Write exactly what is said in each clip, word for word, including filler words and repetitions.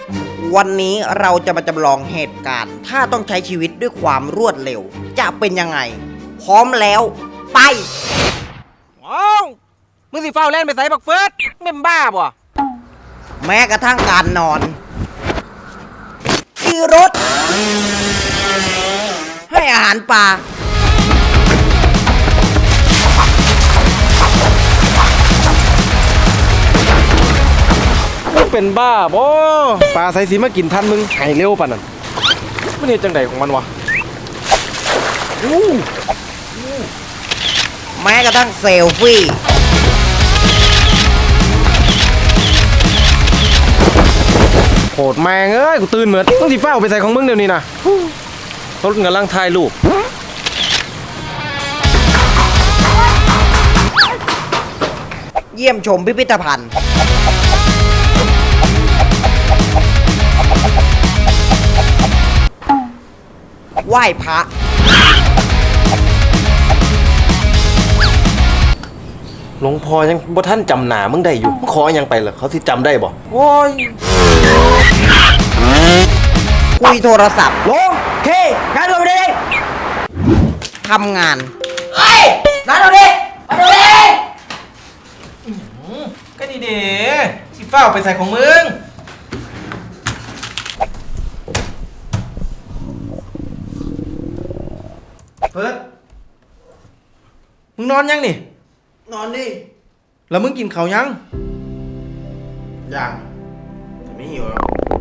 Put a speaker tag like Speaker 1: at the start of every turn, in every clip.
Speaker 1: วันนี้เราจะมาจำลองเหตุการณ์ ถ้าต้องใช้ชีวิตด้วยความรวดเร็ว จะเป็นยังไง พร้อมแล้ว ไป
Speaker 2: ว้าวมึงสิเฝ้าแล่นไปใส่บักเฟิร์สแม่นบ้าบ่
Speaker 1: แม้กระทั่งการนอนขี่รถ ให้อาหารปลา
Speaker 2: มึงเป็นบ้าบ่ปลาใส่สีมากินทันมึงหายเร็วป่ะนั่นมันเฮ็ดจังไดของมันวะอู้
Speaker 1: แม้กระทั่งเซลฟี่
Speaker 2: โหดแมงเอ้ยกูตื่นเหมือนมึงสิเฝ้าไปใส่ของมึงเดี๋ยวนี้นะรถกำลังถ่ายรูป
Speaker 1: เยี่ยมชมพิพิธภัณฑ์ ไหว้พระ
Speaker 2: หลวงพ่อยังบ่ท่านจำหนามึงได้อยู่มึงขอยังไปเหรอเขาสิจำได้บ่โอ้ย
Speaker 1: คุยโทรศัพท์ลงเคงานเราดิทำงานเฮ้ยงานเราดิมาดูดิ
Speaker 2: ก็ดีเด้สิเฝ้าไปใส่ของมึงเฟิร์สมึงนอนยังนี่
Speaker 1: นอนดิ
Speaker 2: แล้วมึงกินข้าวยัง
Speaker 1: ยังแต่ไม่หิวแล้ว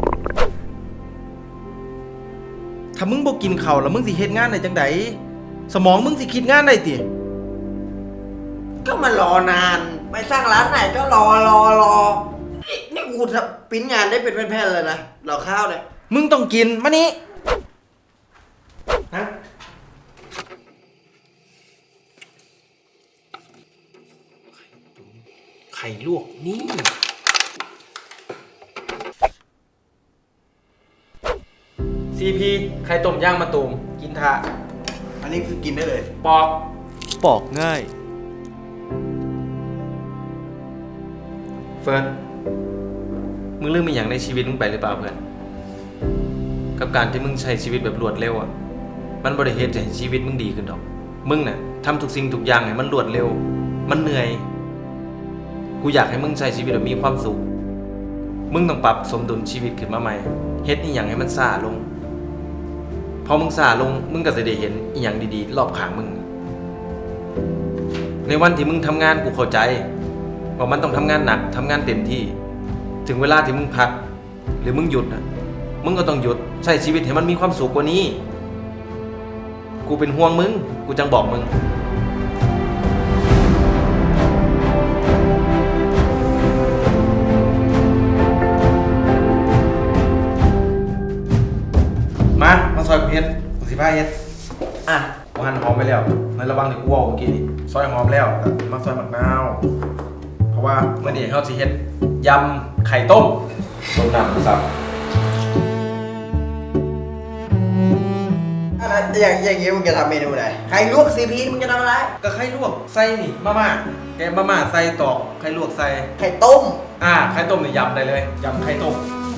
Speaker 2: ถ้ามึงบ่กินข้าวแล้วมึงสิเฮ็ดงานได้จังไดสมองมึงสิคิดงานได้ติ
Speaker 1: ก็มารอนาน ไปสร้างร้านไหนก็รอรอรอนี่นี่กูทำปริ้นงานได้เป็นแผ่นๆเลยนะรอข้าวเนี่ย
Speaker 2: มึงต้องกินมานี่นะไข่ลวกนี่ซีพีไข่ต้มย่างมะตูมกินทา
Speaker 1: อันนี้คือกินได้เลย
Speaker 2: ปอกปอกง่ายเฟิร์นมึงเรื่องมีอย่างในชีวิตมึงไปหรือเปล่าเพื่อนกับการที่มึงใช้ชีวิตแบบรวดเร็วอ่ะมันบริเหตุให้ชีวิตมึงดีขึ้นดอกมึงน่ะทำทุกสิ่งทุกอย่างให้มันรวดเร็วมันเหนื่อยกูอยากให้มึงใช้ชีวิตแบบมีความสุขมึงต้องปรับสมดุลชีวิตขึ้นมาใหม่เฮ็ดอีหยังให้มันซ่าลงพอมึงซ่าลงมึงก็จะได้เห็นอีหยังดีๆรอบข้างมึงในวันที่มึงทำงานกูเข้าใจว่ามันต้องทำงานหนักทำงานเต็มที่ถึงเวลาที่มึงพักหรือมึงหยุดนะมึงก็ต้องหยุดใช้ชีวิตให้มันมีความสุขกว่านี้กูเป็นห่วงมึงกูจังบอกมึงมามาซอยกูเฮ็ดกูสิพาเฮ็ดอ่ะกูหั่นหอมไปแล้วในระหว่างที่กูเว้าเมื่อกี้นี่ซอยหอมแล้วแต่มาซอยมะนาวเพราะว่าเมื่อนี้เขาสิเฮ็ดยำไข่ต้มต้มน้ำซับ
Speaker 1: อย่างอย่างงี้มึงจะทำเมนูไหนไข่ลวกซีพีมึงจะทำอะไร
Speaker 2: ก็ไข่ลวกใส่นี่มาม่าแกงมาม่าใส่ตอกไข่ลวกใส่
Speaker 1: ไข่ต้ม
Speaker 2: อ่าไข่ต้มนี่ยำได้เลยยำไข่ต้ม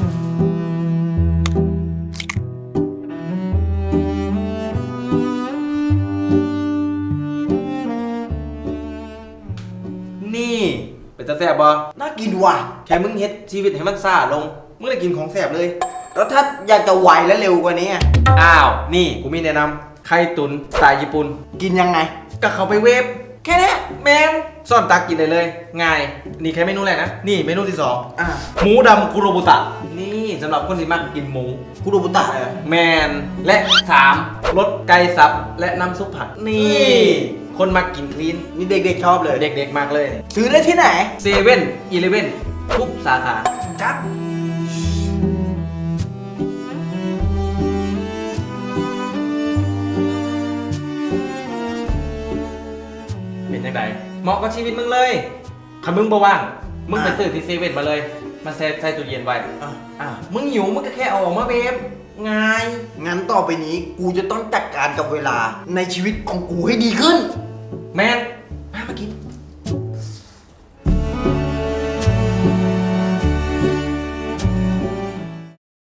Speaker 2: นี่เป็นตาแซ่บบ่
Speaker 1: น่ากินว่ะ
Speaker 2: แค่มึงเฮ็ดชีวิตให้มันซ่าลงมึงได้กินของแซ่บเลย
Speaker 1: แล้วถ้าอยากจะไวและเร็วกว่านี้อะ
Speaker 2: อ้าวนี่กูมีแนะนำไข่ตุ๋นสไตล์ญี่ปุ่น
Speaker 1: กินยังไง
Speaker 2: ก็เข้าไปเวฟแค่นี้แมนซ่อนตักกินได้เลยง่ายนี่แค่เมนูแรกนะนี่เมนูที่สอง
Speaker 1: อ่า
Speaker 2: หมูดำคุโรบุตะนี่สำหรับคนที่มักกินหมู
Speaker 1: คุโรบุตะเลย
Speaker 2: แมนและสามรสไก่สับและน้ำซุปผักนี่ คนมักกินคลีน
Speaker 1: นี่เด็กๆชอบเลย
Speaker 2: เด็กๆมากเลย
Speaker 1: ซื้อได้ที่ไหน
Speaker 2: เซเว่นอีเลเว่นทุกสาขาจัดเป็นยังไงเหมาะกับชีวิตมึงเลยถ้ามึงบ่ว่างมึงไปซื้อที่เซเว่นมาเลยมาใส่ใส่ตู้เย็นไว้
Speaker 1: อ่ะ
Speaker 2: อ่ะมึงหิวมึงก็แค่เอาออกมาเวฟง่าย
Speaker 1: งั้นต่อไปนี้กูจะต้องจัดการกับเวลาในชีวิตของกูให้ดีขึ้น
Speaker 2: แมน